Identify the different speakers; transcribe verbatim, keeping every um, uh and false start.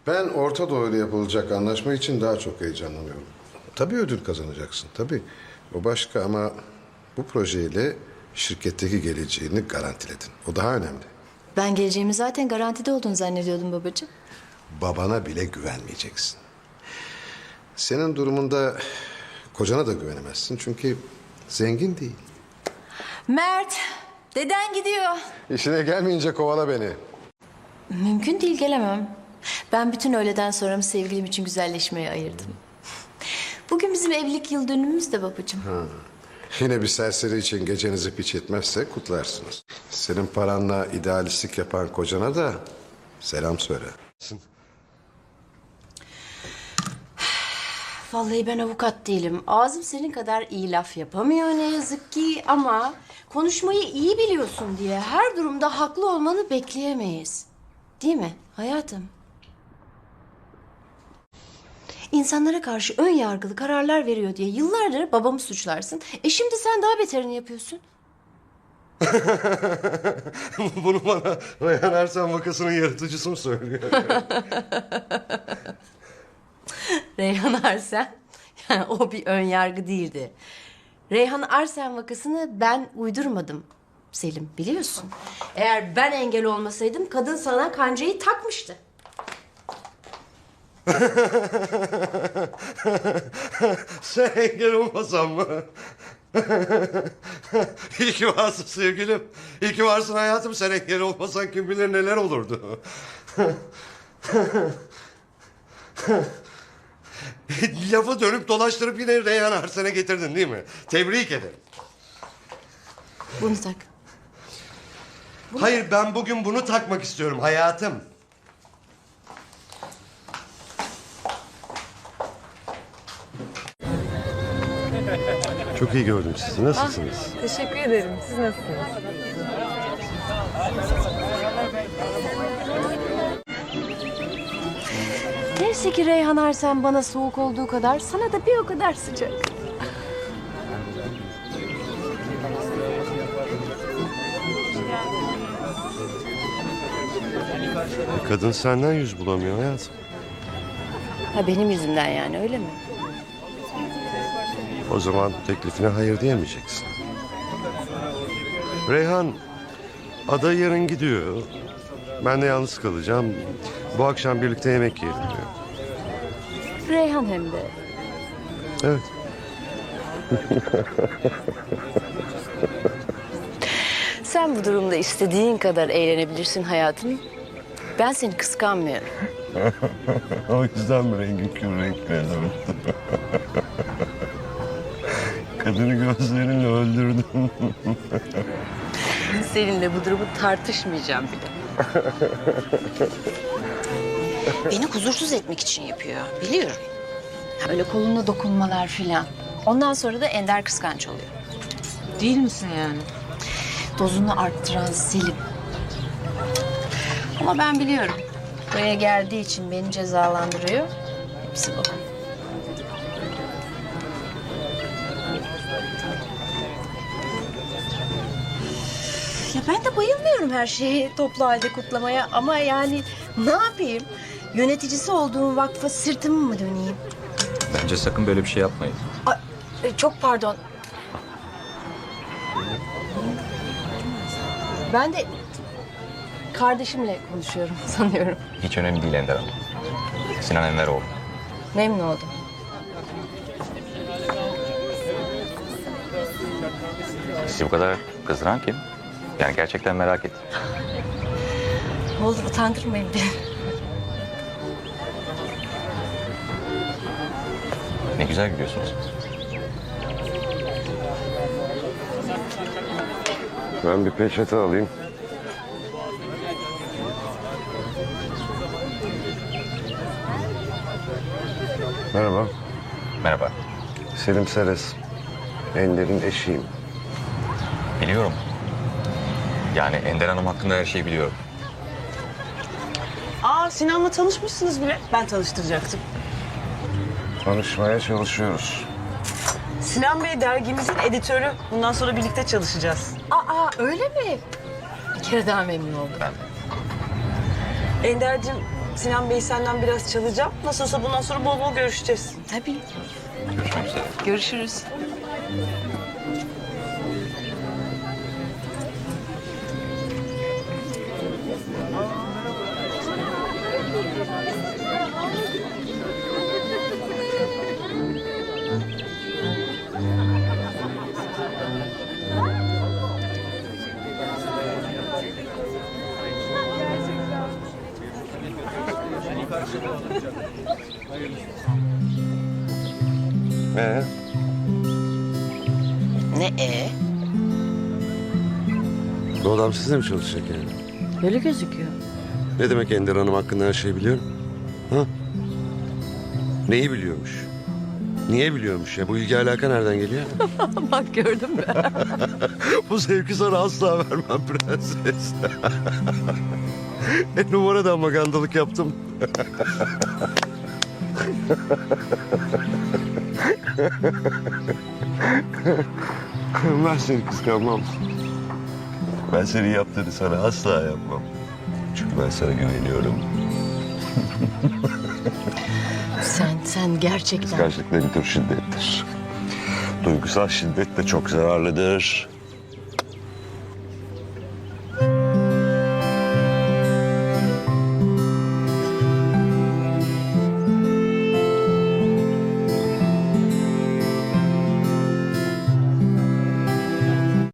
Speaker 1: Ben Orta Doğu'yla yapılacak anlaşma için daha çok heyecanlanıyorum. Tabii ödül kazanacaksın, tabii. O başka ama bu projeyle şirketteki geleceğini garantiledin. O daha önemli.
Speaker 2: Ben geleceğimi zaten garantide olduğunu zannediyordum babacığım.
Speaker 1: Babana bile güvenmeyeceksin. Senin durumunda kocana da güvenemezsin çünkü zengin değil.
Speaker 2: Mert, deden gidiyor.
Speaker 1: İşine gelmeyince kovala beni.
Speaker 2: Mümkün değil, gelemem. Ben bütün öğleden sonramı sevgilim için güzelleşmeye ayırdım. Bugün bizim evlilik yıl dönümümüz de babacığım.
Speaker 1: Ha. Yine bir serseri için gecenizi piç etmezse kutlarsınız. Senin paranla idealistlik yapan kocana da selam söyle.
Speaker 2: Vallahi ben avukat değilim. Ağzım senin kadar iyi laf yapamıyor ne yazık ki ama konuşmayı iyi biliyorsun diye her durumda haklı olmanı bekleyemeyiz. Değil mi hayatım? İnsanlara karşı ön yargılı kararlar veriyor diye yıllardır babamı suçlarsın. E şimdi sen daha beterini yapıyorsun.
Speaker 1: Bunu bana Reyhan Ersen vakasının yaratıcısı mı söylüyor?
Speaker 2: Reyhan Arsen, yani o bir ön yargı değildi. Reyhan Arsen vakasını ben uydurmadım Selim, biliyorsun. Eğer ben engel olmasaydım kadın sana kancayı takmıştı.
Speaker 1: Sen engel olmasan mı? İyi ki varsın sevgilim. İyi ki varsın hayatım. Sen engel olmasan kim bilir neler olurdu. Lafı dönüp dolaştırıp yine Reyhan Arsen'e getirdin değil mi? Tebrik ederim.
Speaker 2: Bunu tak.
Speaker 1: Hayır, ben bugün bunu takmak istiyorum hayatım. Çok iyi gördüm sizi. Nasılsınız?
Speaker 3: Teşekkür ederim. Siz nasılsınız?
Speaker 2: Neyse ki Reyhan Arsen bana soğuk olduğu kadar sana da bir o kadar sıcak.
Speaker 1: Kadın senden yüz bulamıyor hayatım.
Speaker 2: Ha benim yüzümden yani, öyle mi?
Speaker 1: O zaman teklifine hayır diyemeyeceksin. Reyhan, Ada yarın gidiyor. Ben de yalnız kalacağım. Bu akşam birlikte yemek yiyelim diyor.
Speaker 2: Reyhan hem de.
Speaker 1: Evet.
Speaker 2: Sen bu durumda istediğin kadar eğlenebilirsin hayatım. Ben seni kıskanmıyorum.
Speaker 1: O yüzden mi rengin kür renklerim? Kadını gözlerinle öldürdüm.
Speaker 2: Seninle bu durumu tartışmayacağım bile. Beni huzursuz etmek için yapıyor, biliyorum. Ya böyle koluna dokunmalar filan. Ondan sonra da Ender kıskanç oluyor.
Speaker 3: Değil misin yani?
Speaker 2: Dozunu arttıran Selim. Ama ben biliyorum. Buraya geldiği için beni cezalandırıyor. Hepsi bu. Ya ben de bayılmıyorum her şeyi toplu halde kutlamaya. Ama yani ne yapayım? Yöneticisi olduğum vakfa sırtımı mı döneyim?
Speaker 4: Bence sakın böyle bir şey yapmayın.
Speaker 2: Ay, e, çok pardon. Ben de kardeşimle konuşuyorum sanıyorum.
Speaker 4: Hiç önemli değil Ender Hanım. Sinan Enveroğlu.
Speaker 2: Memnun oldum.
Speaker 4: Sizi bu kadar kızdıran kim? Yani gerçekten merak ettim.
Speaker 2: Oldu, utandırmayın beni.
Speaker 4: Ne güzel gülüyorsunuz.
Speaker 1: Ben bir peçete alayım. Merhaba.
Speaker 4: Merhaba.
Speaker 1: Selim Seres. Ender'in eşiyim.
Speaker 4: Biliyorum. Yani Ender Hanım hakkında her şeyi biliyorum.
Speaker 3: Aa, Sinan'la tanışmışsınız bile. Ben tanıştıracaktım.
Speaker 1: Tanışmaya çalışıyoruz.
Speaker 3: Sinan Bey dergimizin editörü. Bundan sonra birlikte çalışacağız.
Speaker 2: Aa, öyle mi? Bir kere daha memnun oldum.
Speaker 4: Ben
Speaker 3: Ender'cim, Sinan Bey senden biraz çalacağım. Nasıl olsa bundan sonra bol bol görüşeceğiz.
Speaker 2: Tabii.
Speaker 4: Görüşmek üzere.
Speaker 3: Görüşürüz.
Speaker 1: Ee,
Speaker 2: Ne e?
Speaker 5: Bu adam sizle mi çalışacak yani?
Speaker 2: Öyle gözüküyor.
Speaker 5: Ne demek Ender Hanım hakkında her şeyi biliyorum? Ha? Neyi biliyormuş? Niye biliyormuş ya? Bu ilgi alaka nereden geliyor?
Speaker 2: Bak gördün mü?
Speaker 5: Bu zevki sana asla vermem prenses. e numaradan magandalık yaptım. Ben seni kıskanmam. Ben senin yaptığını sana asla yapmam. Çünkü ben sana güveniyorum.
Speaker 2: sen, sen gerçekten...
Speaker 5: Kıskançlık da bir tür şiddettir. Duygusal şiddet de çok zararlıdır.